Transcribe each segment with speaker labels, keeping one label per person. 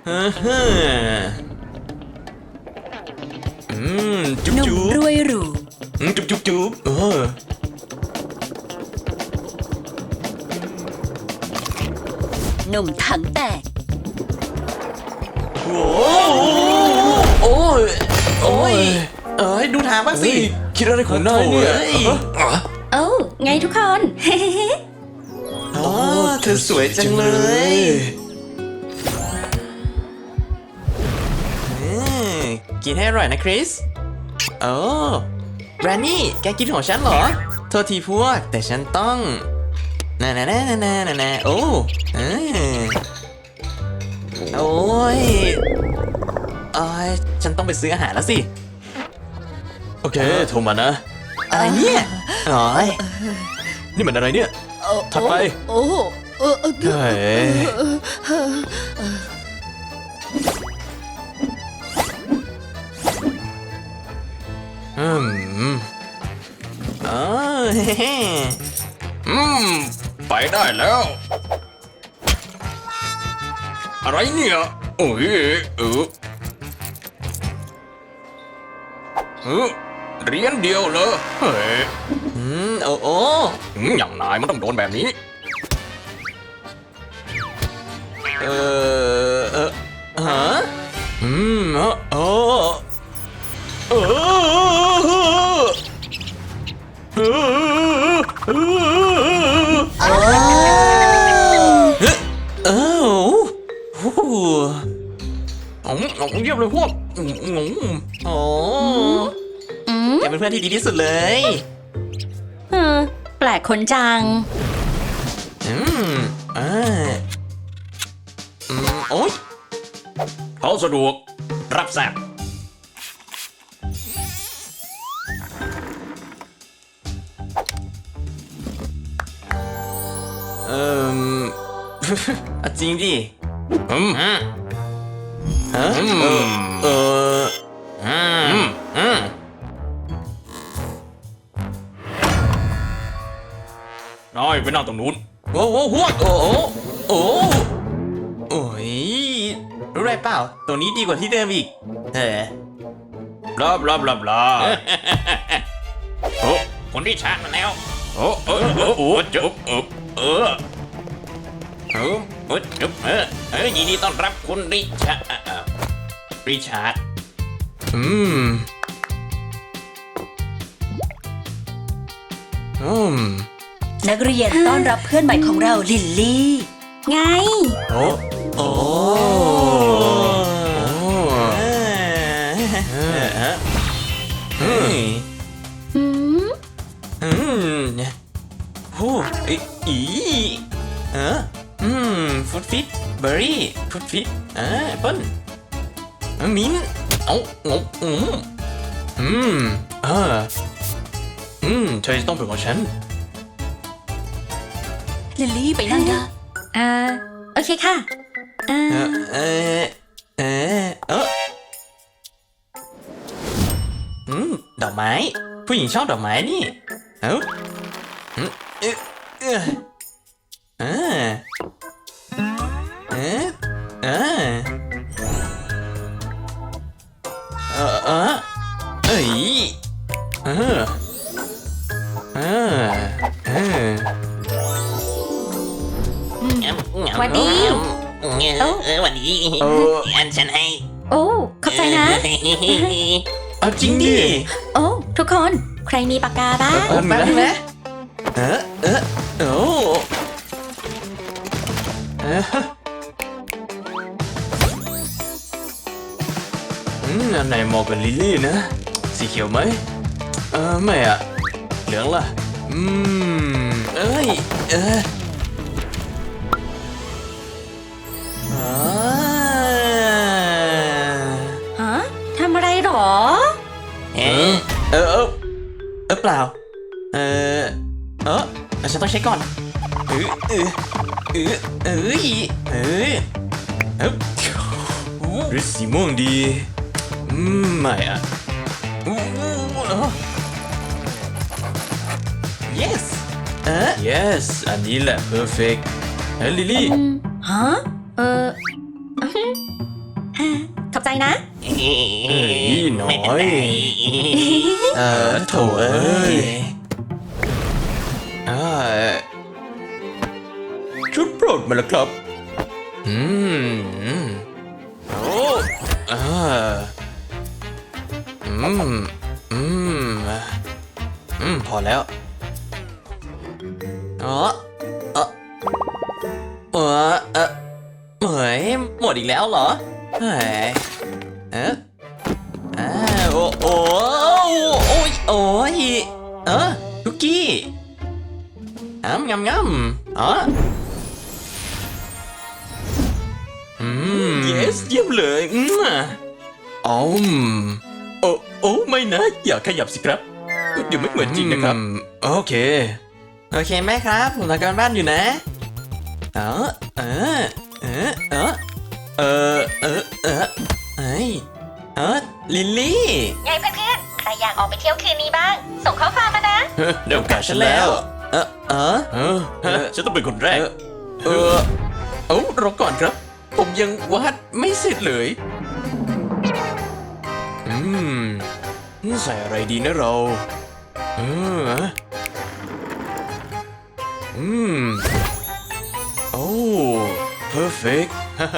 Speaker 1: จุ๊บ
Speaker 2: หนุ่ม
Speaker 1: จุ๊บ
Speaker 2: รวยหรู
Speaker 1: จุ๊บจุ๊บจุ๊บ
Speaker 2: หนุ่มถังแตก
Speaker 1: โอ้โอ้ยโอ้ยดูทางบ้างสิคิดอะไรของนายเนี่ย
Speaker 2: โอ้ไงทุกคน
Speaker 1: อ๋อเธอสวยจังเลย กินให้อร่อยนะคริสโอ้แบรนนี่แกกินของฉันเหรอโทษทีพวกแต่ฉันต้องน่าโอ้โอ้ยฉันต้องไปซื้ออาหารแล้วสิโอเคโทรมานะอะไรเนี่ยอ๋อนี่มันอะไรเนี่ยถัดไปเฮ้ยอืมไปได้แล้วอะไรเนี่ยโอ้ยเหรียญเดียวเหรอเฮ้ยโอ้อย่างนายมันต้องโดนแบบนี้ฮะโอ้เยี่ยมเลยพวกโอ้แกเป็นเพื่อนที่ดีที่สุดเลย
Speaker 2: แปลกคนจัง
Speaker 1: โอ๊ยเขาสะดวกรับแซบจริงดิน้อยไปนั่งตรงนู้นโอ้ยรู้ไรเปล่าตรงนี้ดีกว่าที่เดิมอีกบลาโอ้คนที่ชาร์จมาแล้วยินดีต้อนรับคุณริชาร์ด
Speaker 2: นักเรียนต้อนรับเพื่อนใหม่ของเราลิลลี่ ไง
Speaker 1: ฟุตฟิตเบอร์รี่ฟุตฟิตแอปเปิ้ลมิ้นเธอจะต้องเป็นของฉัน
Speaker 2: ลิลลี่ไปนั่งได้โอเคค่ะ
Speaker 1: ดอกไม้ผู้หญิงชอบดอกไม้นี่
Speaker 2: วันดี
Speaker 1: วันดีอันฉันให้
Speaker 2: โอ้ขอบใจนะ
Speaker 1: เอาจริงดิ
Speaker 2: โอ้ทุกคนใครมีปากกาบ้าง
Speaker 1: แป๊บนึงนะอันไหนเหมาะกับลิลลี่นะสีเขียวไหมไม่อะเหลืองล่ะ
Speaker 2: ฮะทำอะไรหรอ
Speaker 1: เปล่าฉันต้องเช็คก่อนหรือสีม่วงดีไม่อะ yes อันนี้แหละ perfect ลิลลี่
Speaker 2: ฮะ
Speaker 3: นะ
Speaker 1: หน่อยโถเอ้ยชุดโปรดมาแล้วครับโอ้พอแล้วเหมยหมดอีกแล้วเหรอเฮ้ยโอ้ยคุกกี้งำyes เยี่ยมเลยโอ้ไม่นะอย่าขยับสิครับเดี๋ยวไม่เหมือนจริงนะครับโอเคแม่ครับผมทำการบ้านอยู่นะลิลลี่
Speaker 3: ไงเพื่อนๆ ใครอยากออกไปเที่ยวคืนนี้บ้าง ส่งข้อความมานะ
Speaker 1: เดี๋ยวโอกาสฉันแล้วฉันต้องเป็นคนแรกรอก่อนครับ ผมยังวาดไม่เสร็จเลยใส่อะไรดีนะเราโอ้ perfect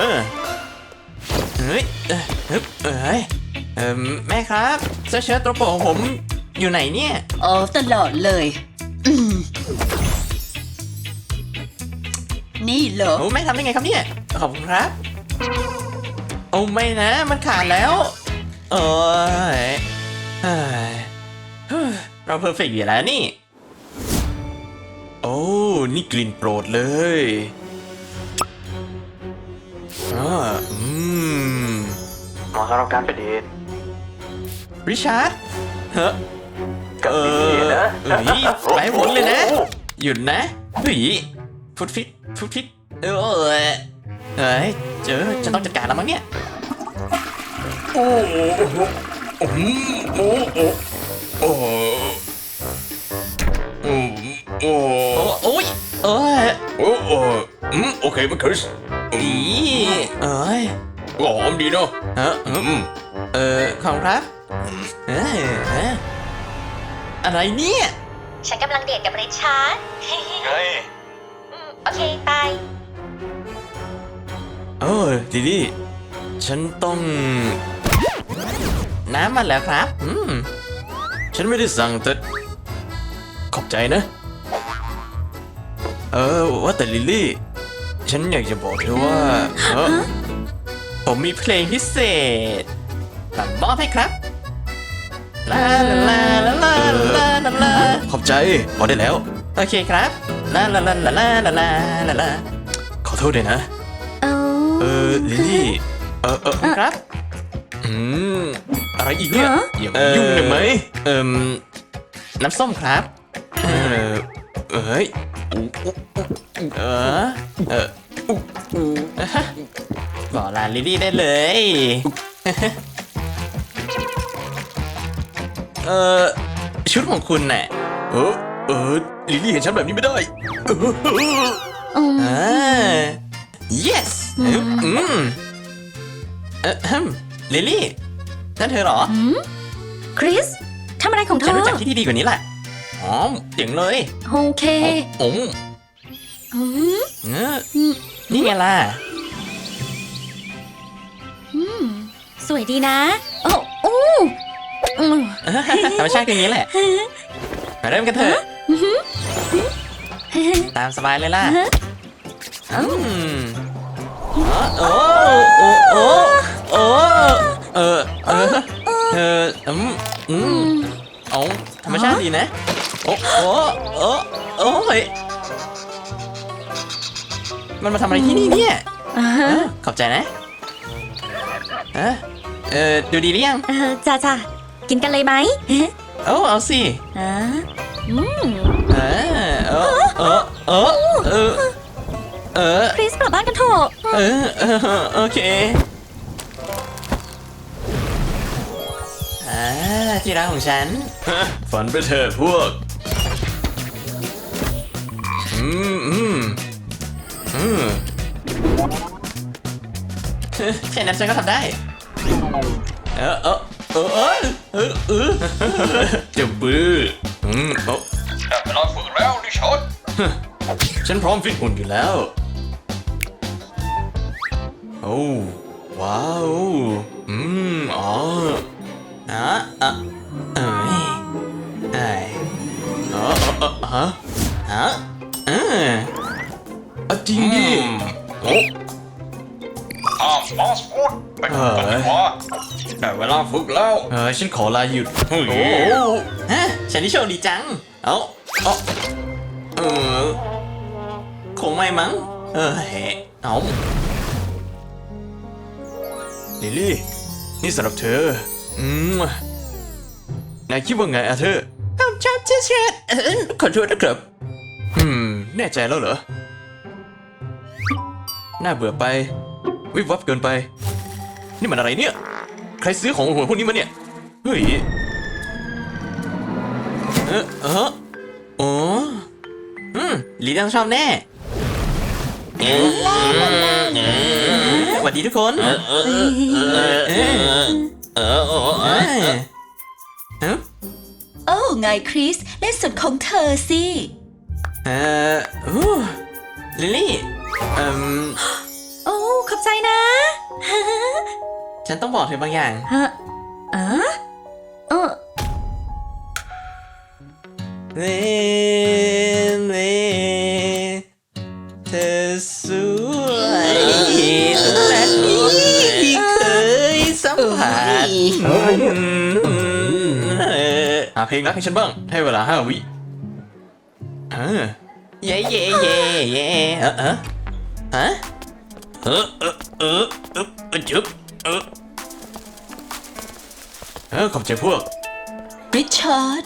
Speaker 1: เฮ้ยแม่ครับเสื้อเชิ้ตตัวโปรดของผมอยู่ไหนเนี่ย
Speaker 2: ตลอดเลยนี่เหรอ
Speaker 1: โอ้แม่ทำได้ไงครับเนี่ยขอบคุณครับโอ้ไม่นะมันขาดแล้วเราเพอร์เฟกต์อยู่แล้วนี่โอ้นี่กลิ่นโปรดเลยเหมาะสำหรับการไปเดทริชาร์ดไปหมดเลยนะหยุดนะฟุตฟิตเฮ้ยจะต้องจัดการแล้วมั้งเนี่ยโอเคมันคือหอมดีเนาะของครับอะไรเนี่ย
Speaker 3: ฉันกำลังเดทกับริชาร์ด โอเคไป
Speaker 1: ดิดี้ฉันต้องน้ำมาแล้วครับฉันไม่ได้สั่งแต่ขอบใจนะว่าแต่ลิลลี่ฉันอยากจะบอกเธอว่าผมมีเพลงพิเศษมอบให้ครับลาลาลาลาลาลาลาขอบใจพอได้แล้วโอเคครับลาลาลาลาลาลาลาลาขอโทษด้วยนะลิลลี่ครับอะไรอีกเนี่ยอย่ามายุ่งได้ไหมน้ำส้มครับบอกลาลิลลี่ได้เลยชุดของคุณน่ะลิลลี่เห็นฉันแบบนี้ไม่ได้yes ลิลลี่นั่นเธอเหรอ
Speaker 3: คริส ทำอะไรของเธ
Speaker 1: ฉัน
Speaker 3: อ
Speaker 1: รู้จักที่ดีกว่านี้แหละเจ๋งเลย
Speaker 3: โอเค
Speaker 1: นี่ไงล่ะ
Speaker 3: สวยดีนะ
Speaker 1: ธรรมชาติคืออย่างนี้แหละ มาเริ่มกันเถอะ ตามสบายเลยล่ะธรรมชาติดีนะมันมาทำอะไรที่นี่เนี่ยขอบใจนะดูดีหรือยัง
Speaker 3: จ้ากินกันเลยไหม
Speaker 1: เอาสิ
Speaker 3: คริสกลับบ้านกันเถอะ
Speaker 1: โอเคที่รักของฉันฝันไปเถิดพวกแค่นั้นฉันก็ทำได้เออเออเออเออเออเออจะบื้อได้เวลาฝึกแล้วดิฉันฉันพร้อมฟิตหุ่นอยู่แล้วโอ้ว้าวอ๋อเอ้ยเอ้ยจริงดิโอ้
Speaker 4: บอสพูดไปทำกันดีกว่าได้เวลาฝึกแล้ว
Speaker 1: ฉันขอลาหยุด
Speaker 4: เฮ้ย
Speaker 1: โอ้ฮะฉันนี่โชคดีจังคงไม่มั้งเอาลิลลี่นี่สำหรับเธอนายคิดว่าไงอะเธอชอบเชิดขอโทษนะครับแน่ใจแล้วเหรอน่าเบื่อไปวิบวับเกินไปนี่มันอะไรเนี่ยใครซื้อของหัวพวกนี้มาเนี่ยเฮ้ยลีต้องชอบแน่สวัสดีทุกคน
Speaker 2: โอ้ไงคริสเล่นสุดของเธอสิ
Speaker 1: ลิลลี่
Speaker 2: โอ้ขอบใจนะ
Speaker 1: ฉันต้องบอกเธอบางอย่างเล่เธอสวยและที่เคยสัมผัสหาเพลงรักให้ฉันบ้างให้เวลา5 วิเย่จุ๊บขอบใจพวก
Speaker 2: ริชาร์ด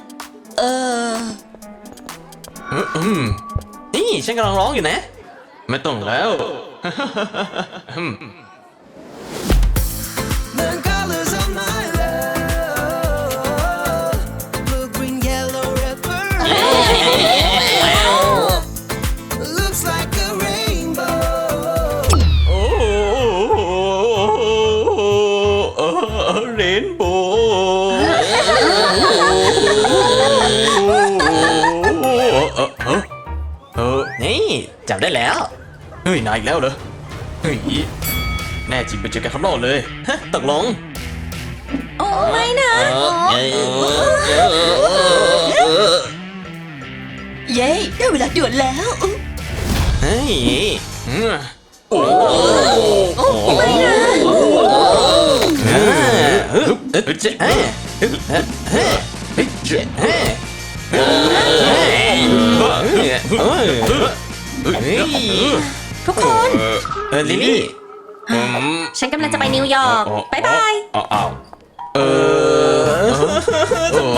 Speaker 1: นี่ฉันกำลังร้องอยู่นะไม่ต้องแล้ว
Speaker 5: The colors of my love, blue, green, yellow, red, looks like a rainbow.
Speaker 1: โอ้เรนโบว์นี่จับได้แล้วเฮ้ยนายอีกแล้วเหรอเฮ้ยแน่จริงไปเจอกันข้างนอกเลยฮะตกลง
Speaker 2: โอ้ไม่นะเย้ได้เวลาด่วนแล้ว
Speaker 1: เฮ้ย
Speaker 2: ไม่นะทุกคน
Speaker 1: ลิลลี่
Speaker 3: ฉันกำลังจะไปนิวยอร์กบ๊ายบาย
Speaker 1: ทำไม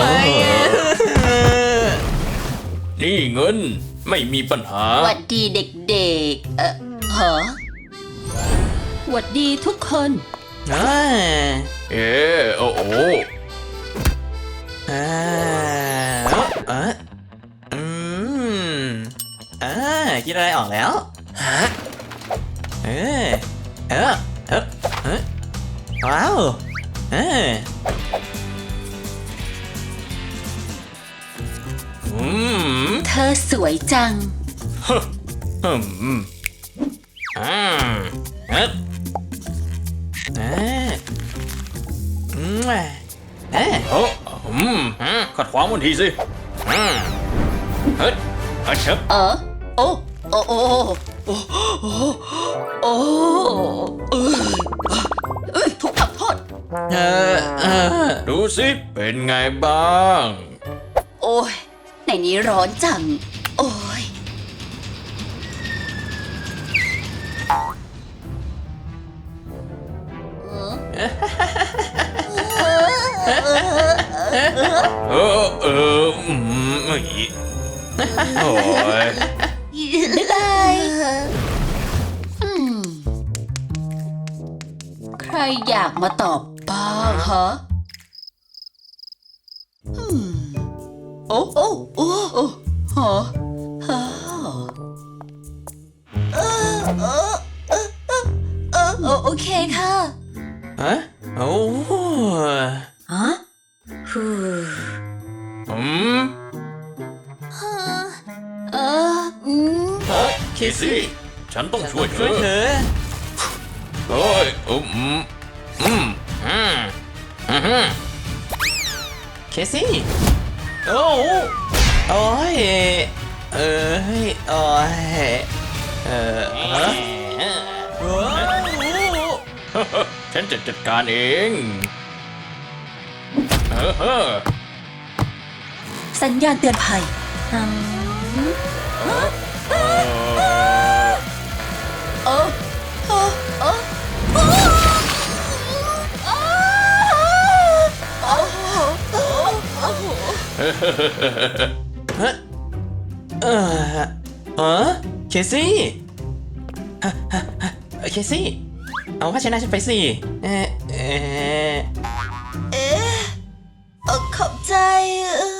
Speaker 1: นี่เงินไม่มีปัญหา
Speaker 2: หวัดดีเด็กๆหวัดดีทุกคน
Speaker 1: โอ้โหคิดอะไรออกแล้วว้าว
Speaker 2: เธอสวยจัง
Speaker 1: ขัดขวางมันทีสิเฮ้ยเชิบ
Speaker 2: โอ้ทุกข์โทษ
Speaker 1: ดูสิเป็นไงบ้าง
Speaker 2: โอ้ยในนี้ร้อนจัง โอ้ย
Speaker 1: โอ้ย
Speaker 2: บ๊ายบายใครอยากมาตอบบ้างฮะโอ้ฮะโอเคค่ะ
Speaker 1: ฮะโอ้
Speaker 2: ฮะฮู
Speaker 1: อืม
Speaker 4: เคซี่ฉันต้องช่วยเธ
Speaker 1: ช่วย
Speaker 4: อ
Speaker 1: เธอ
Speaker 4: เฮ้ย
Speaker 1: เคซี่โอ้โอ้ยเอ้ยโอ้ยฮะว้าว
Speaker 4: ฉันจะจัดการเอง
Speaker 2: สัญญาณเตือนภัย
Speaker 1: ฮะเคซี่เคซี่เอาผ้าเช็ดหน้าฉันไปสิ
Speaker 2: ขอบใจ